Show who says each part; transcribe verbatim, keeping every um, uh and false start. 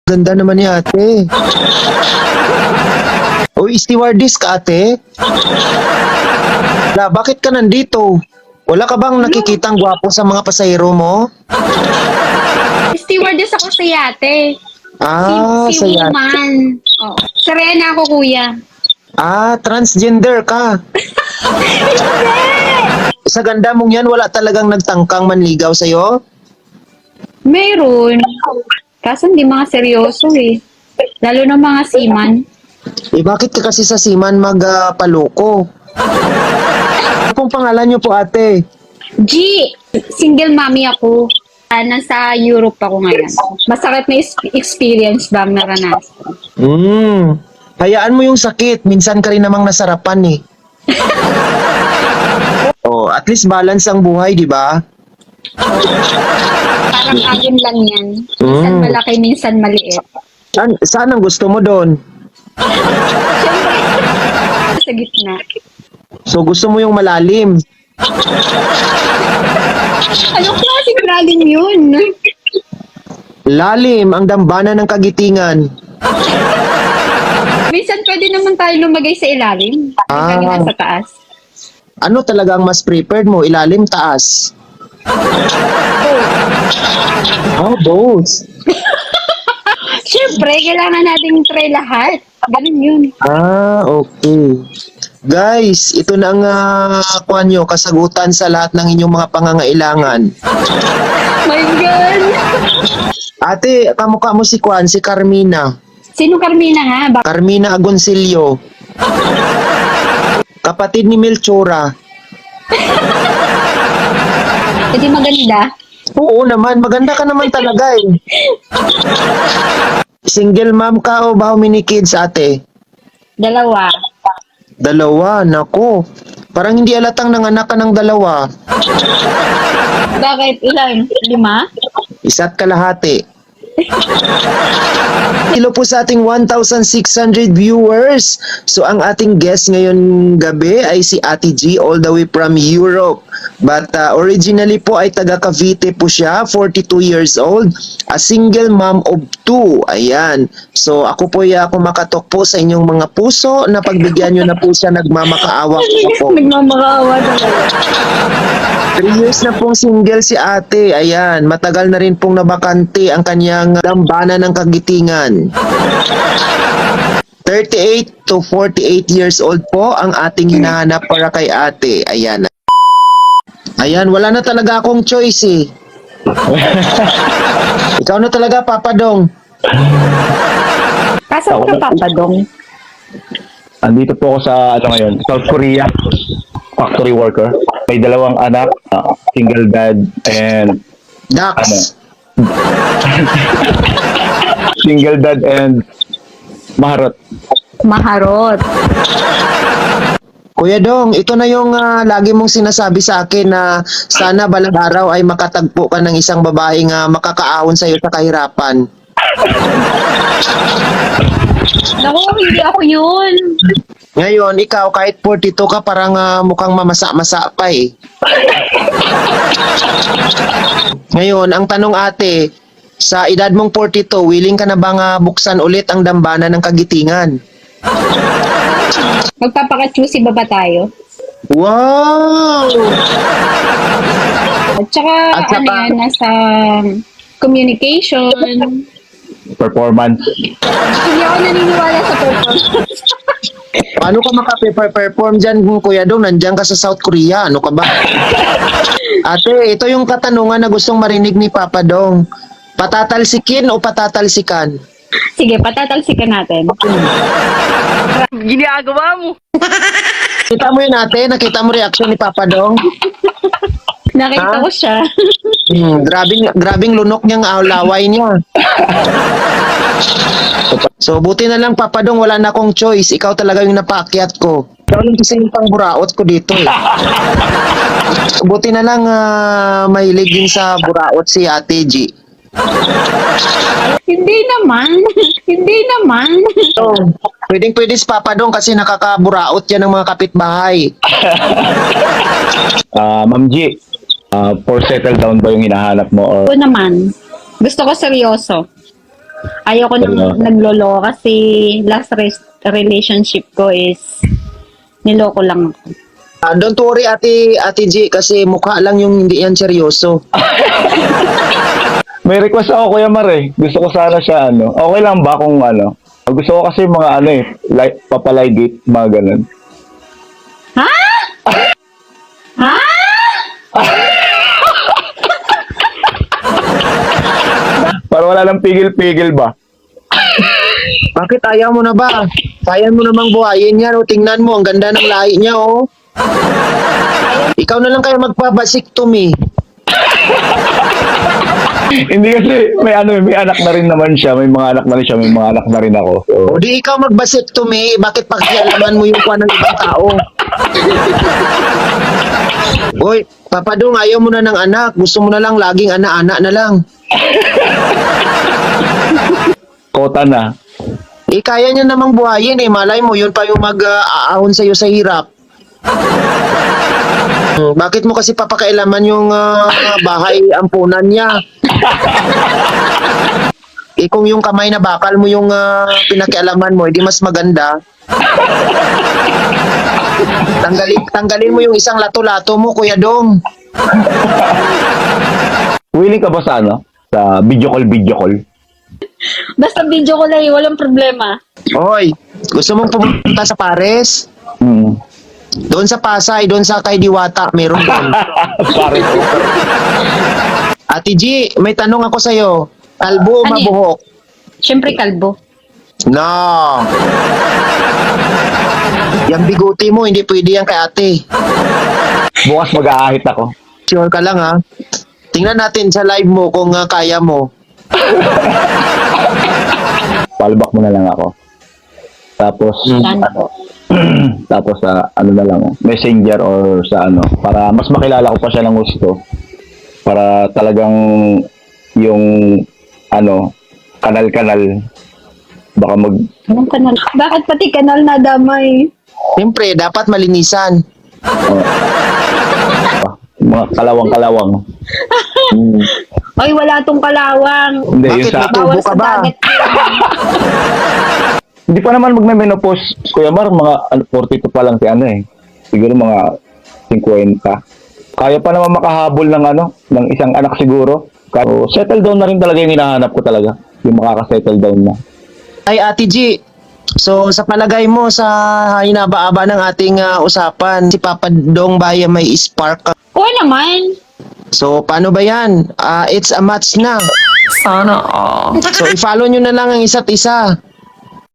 Speaker 1: Ganda naman ni ate. Uy, stewardess ka ate? La, bakit ka nandito? Wala ka bang nakikitang gwapo sa mga pasahero mo?
Speaker 2: Stewardess ako sa yate.
Speaker 1: Ah,
Speaker 2: si
Speaker 1: sa yate.
Speaker 2: woman. Oh. Serena ako, kuya.
Speaker 1: Ah, transgender ka. Sa ganda mong yan, wala talagang nagtangkang manligaw sa'yo?
Speaker 2: Meron. Kaso hindi mga seryoso eh. Lalo na mga seaman.
Speaker 1: Eh, bakit ka kasi sa Siman magpaloko? Ano pong pangalan niyo po ate?
Speaker 2: G, single mommy ako. Ah, nasa Europe ako ngayon. Masakit na is- experience bang naranasan?
Speaker 1: Hmm, hayaan mo yung sakit. Minsan ka rin namang nasarapan eh. Oh, at least balance ang buhay, di ba?
Speaker 2: Parang agin lang yan. Minsan
Speaker 1: Mm.
Speaker 2: malaki, minsan maliit.
Speaker 1: Saan, saan ang gusto mo doon?
Speaker 2: Sa gitna.
Speaker 1: So gusto mo yung malalim.
Speaker 2: Anong klaseng lalim yun?
Speaker 1: Lalim ang dambana ng kagitingan.
Speaker 2: Minsan pwede naman tayo lumagay sa ilalim.
Speaker 1: Ah.
Speaker 2: Ah. Sa taas.
Speaker 1: Ano talaga ang mas preferred mo? Ilalim, taas? Oh, both.
Speaker 2: Siyempre, kailangan nating try lahat. Ganun yun.
Speaker 1: Ah, okay. Guys, ito na ang uh, kuhan nyo, kasagutan sa lahat ng inyong mga pangangailangan.
Speaker 2: My God!
Speaker 1: Ate, kamukha mo si Kwan, si Carmina.
Speaker 2: Sino Carmina nga? Bak-
Speaker 1: Carmina Agoncillo. Kapatid ni Melchora.
Speaker 2: Hindi maganda.
Speaker 1: Oo naman, maganda ka naman talaga eh. Single mom ka o ba how many kids ate?
Speaker 2: Dalawa.
Speaker 1: Dalawa, nako. Parang hindi alatang nanganak ka ng dalawa.
Speaker 2: Bakit? Ilan? Lima?
Speaker 1: Isa't kalahati. Hello po sa ating one thousand six hundred viewers. So ang ating guest ngayon gabi ay si Ate G all the way from Europe. But uh, originally po ay taga Cavite po siya, forty-two years old, a single mom of two. Ayan. So ako po ay ako makatok po sa inyong mga puso na pagbigyan nyo na po siya nagmamakaawa po.
Speaker 2: Nagmamakaawa talaga.
Speaker 1: Three years na pong single si ate. Ayan, matagal na rin pong nabakante ang kanyang dambana ng kagitingan. thirty-eight to forty-eight years old po ang ating hinahanap para kay ate. Ayan. Ayan, wala na talaga akong choice eh. Ikaw na talaga, Papa Dong.
Speaker 2: Kaso ka papadong.
Speaker 3: Andito po ako sa ano ngayon, South Korea, factory worker. May dalawang anak, uh, single dad, and
Speaker 1: Dax.
Speaker 3: single dad and maharot.
Speaker 2: Maharot.
Speaker 1: Kuya Dong, ito na yung ah, lagi mong sinasabi sa akin na sana balang araw ay makatagpo ka ng isang babaeng uh, makakaahon sa iyo sa kahirapan.
Speaker 2: Naku, hindi ako yun.
Speaker 1: Ngayon, ikaw kahit forty-two ka parang ah, mukhang mamasa-masa pa eh. Ngayon, ang tanong ate, sa edad mong forty-two, willing ka na bang ah, buksan ulit ang dambana ng kagitingan?
Speaker 2: Magpapaka-choosy ba ba tayo?
Speaker 1: Wow!
Speaker 2: At saka,
Speaker 1: At saka-
Speaker 2: ano yan, nasa communication.
Speaker 3: Performance.
Speaker 2: Hindi ako naniniwala sa performance.
Speaker 1: Paano ka makape-perform dyan, Kuya Dong? Nandiyan ka sa South Korea. Ano ka ba? Ate, ito yung katanungan na gustong marinig ni Papa Dong. Patatalsikin o patatalsikan?
Speaker 2: Sige, patatalsikan natin.
Speaker 4: Ginagawa mo.
Speaker 1: Kita mo yun ate? Nakita mo reaction ni Papa Dong?
Speaker 2: Nakita
Speaker 1: Ha?
Speaker 2: ko siya.
Speaker 1: Hmm, grabing, grabing lunok niyang ah, laway niya. So, buti na lang, Papa Dong, wala na akong choice. Ikaw talaga yung napaakyat ko. Ikaw lang kasi yung pangburaot ko dito eh. Buti na lang ah, mahilig din sa buraot si Ate G.
Speaker 2: Hindi naman. Hindi naman.
Speaker 1: So, pwedeng pwede si Papa Dong kasi nakakaburaot yan ng mga kapitbahay.
Speaker 3: Uh, Ma'am G, uh, for settle down ba yung hinahanap mo? Or
Speaker 2: Oo naman. Gusto ko seryoso. Ayoko nang
Speaker 3: Seryoso.
Speaker 2: naglolo kasi last res- relationship ko is niloko lang ako.
Speaker 1: Ah, don't worry, Ate, Ate G, kasi mukha lang yung hindi yan seryoso.
Speaker 3: May request ako, Kuya Mar eh. Gusto ko sana siya, ano. Okay lang ba kung ano? Gusto ko kasi mga ano eh, like, papalay date, mga ganun.
Speaker 2: Ha? Ha?
Speaker 3: Para wala nang pigil-pigil ba?
Speaker 1: Bakit ayaw mo na ba? Kaya mo namang buhayin yan, o tingnan mo, ang ganda ng lahi niya, oh. Ikaw na lang kayo magpabasiktomy.
Speaker 3: Hindi kasi may ano, may anak na rin naman siya, may mga anak na rin siya, may mga anak na rin ako. So,
Speaker 1: O di ikaw magbasiktomy, bakit pakialaman mo yung kuha ng ibang tao? Hoy, Papadong, ayaw mo na ng anak. Gusto mo na lang laging ana-ana na lang.
Speaker 3: kota na.
Speaker 1: Eh, kaya niya namang buhayin eh. Malay mo, yun pa yung mag-aahon sa'yo sa hirap. Hmm, bakit mo kasi papakailaman yung ah, bahay ampunan niya? Eh, kung yung kamay na bakal mo yung ah, pinakialaman mo, edi mas maganda. Tanggalin, tanggalin mo yung isang lato-lato mo, Kuya Dong.
Speaker 3: Willing ka ba sa ano? Sa video call, video call?
Speaker 2: Basta video ko lang, walang problema.
Speaker 1: Hoy, gusto mong pumunta sa Pares?
Speaker 3: Hmm.
Speaker 1: Doon sa Pasay, doon sa kay Diwata, meron doon.
Speaker 3: Pare ko.
Speaker 1: Ate G, may tanong ako sa'yo. Kalbo o
Speaker 2: Ano yan?
Speaker 1: mabuhok?
Speaker 2: Siyempre kalbo.
Speaker 1: No. Yung biguti mo, hindi pwede yan kay ate.
Speaker 3: Bukas mag-aahit ako.
Speaker 1: Sure ka lang ha. Tingnan natin sa live mo kung ah, kaya mo.
Speaker 3: Palbak mo na lang ako. Tapos,
Speaker 2: Plan
Speaker 3: ano,
Speaker 2: po.
Speaker 3: tapos sa ano na lang, messenger or sa ano, para mas makilala ko pa siya ng gusto. Para talagang yung ano, kanal-kanal baka mag
Speaker 2: Anong kanal? Bakit pati kanal na damay?
Speaker 1: Siyempre, dapat malinisan.
Speaker 3: ah, mga kalawang-kalawang. Hmm.
Speaker 2: Ay, wala tong kalawang.
Speaker 3: Hindi,
Speaker 1: Bakit
Speaker 3: yung sa
Speaker 1: may tubo
Speaker 2: Bawal
Speaker 1: ka
Speaker 2: sa
Speaker 1: ba?
Speaker 2: dagat.
Speaker 3: hindi pa naman magme-menopause, Kuya Mar, mga ano, forty-two pa lang si ano eh. Siguro mga fifty. Kaya pa naman makahabol ng ano, ng isang anak siguro. So, settle down na rin talaga yung hinahanap ko talaga. Yung makaka-settle down na.
Speaker 1: Ay, Ate G, so sa palagay mo sa hinaba-aba ng ating ah, usapan, si Papa Dong Baya may spark ka.
Speaker 2: Oo naman.
Speaker 1: So, paano ba yan? Ah, it's a match na.
Speaker 4: Sana all.
Speaker 1: So, i-follow nyo na lang ang isa't isa.